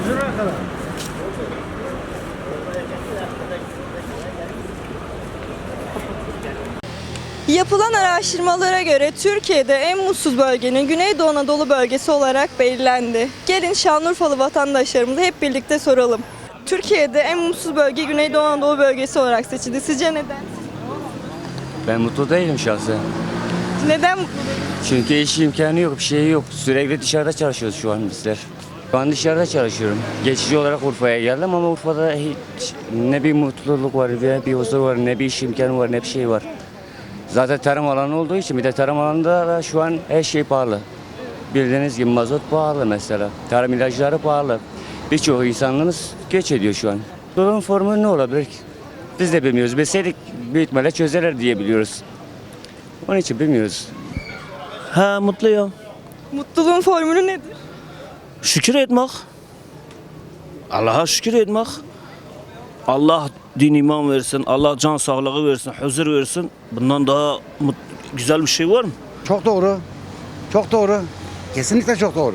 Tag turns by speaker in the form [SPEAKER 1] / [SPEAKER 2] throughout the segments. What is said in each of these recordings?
[SPEAKER 1] Yapılan araştırmalara göre Türkiye'de en mutsuz bölgenin Güneydoğu Anadolu bölgesi olarak belirlendi. Gelin Şanlıurfalı vatandaşlarımıza hep birlikte soralım. Türkiye'de en mutsuz bölge Güneydoğu Anadolu bölgesi olarak seçildi. Sizce neden?
[SPEAKER 2] Ben mutlu değilim şahsen.
[SPEAKER 1] Neden mutlu değil?
[SPEAKER 2] Çünkü iş imkanı yok, bir şey yok. Sürekli dışarıda çalışıyoruz şu an bizler. Ben dışarıda çalışıyorum. Geçici olarak Urfa'ya geldim ama Urfa'da hiç ne bir mutluluk var, ne bir huzur var, ne bir iş imkanı var, ne bir şey var. Zaten tarım alanı olduğu için bir de tarım alanında da şu an her şey pahalı. Bildiğiniz gibi mazot pahalı mesela. Tarım ilaçları pahalı. Birçok insanlığımız göç ediyor şu an. Durum formu ne olabilir ki? Biz de bilmiyoruz. Bilseydik büyük ihtimalle çözerler diye biliyoruz. Onun için bilmiyoruz.
[SPEAKER 3] Ha, mutluyum.
[SPEAKER 1] Mutluluğun formülü nedir?
[SPEAKER 3] Şükür etmek. Allah'a şükür etmek. Allah din iman versin, Allah can sağlığı versin, huzur versin. Bundan daha güzel bir şey var mı?
[SPEAKER 4] Çok doğru. Çok doğru. Kesinlikle çok doğru.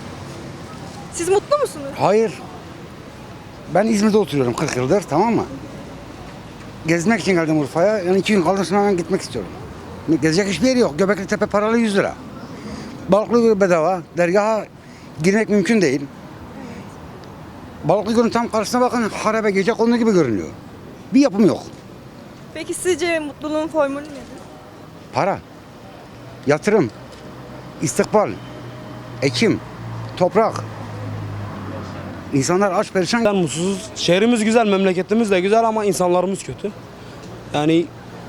[SPEAKER 1] Siz mutlu musunuz?
[SPEAKER 4] Hayır. Ben İzmir'de oturuyorum 40 yıldır, tamam mı? Gezmek için geldim Urfa'ya. Yani 2 gün kaldım, sonra hemen gitmek istiyorum. Gezecek hiçbir yeri yok. Göbekli Tepe paralı 100 lira. Balıklıgöl bedava. Dergaha girmek mümkün değil. Balıklıgöl'ün tam karşısına bakın, harabe gecekondu gibi görünüyor. Bir yapım yok.
[SPEAKER 1] Peki sizce mutluluğun formülü nedir?
[SPEAKER 4] Para, yatırım, istikbal, ekim, toprak. İnsanlar aç perişan.
[SPEAKER 5] Ben mutsuzuz. Şehrimiz güzel, memleketimiz de güzel ama insanlarımız kötü. Yani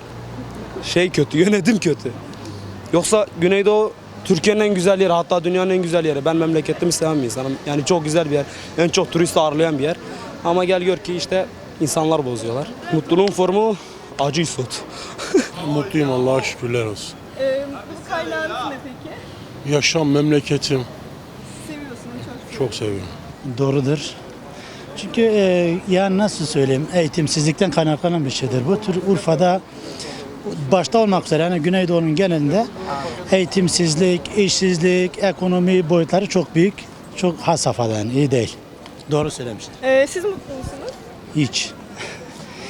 [SPEAKER 5] kötü, yönetim kötü. Yoksa Güneydoğu Türkiye'nin en güzel yeri, hatta dünyanın en güzel yeri. Ben memleketimi seven bir insanım. Yani çok güzel bir yer. En çok turist ağırlayan bir yer. Ama gel gör ki işte insanlar bozuyorlar. Mutluluğun formu acı isot.
[SPEAKER 6] Mutluyum, Allah'a şükürler olsun.
[SPEAKER 1] Mutluluk kaynağınız ne peki?
[SPEAKER 6] Yaşam, memleketim
[SPEAKER 1] Seviyorsunuz çok.
[SPEAKER 6] çok seviyorum.
[SPEAKER 7] Doğrudur. Çünkü yani nasıl söyleyeyim, eğitimsizlikten kaynaklanan bir şeydir. Bu tür Urfa'da başta olmak üzere yani Güneydoğu'nun genelinde eğitimsizlik, işsizlik, ekonomi boyutları çok büyük. Çok had safhada, yani iyi değil. Doğru söylemiştin.
[SPEAKER 1] Siz mutlu musunuz?
[SPEAKER 7] Hiç.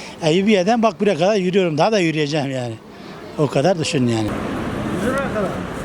[SPEAKER 7] Eyüpiye'den bak buraya kadar yürüyorum. Daha da yürüyeceğim yani. O kadar düşün yani.
[SPEAKER 8] Güzel kadar.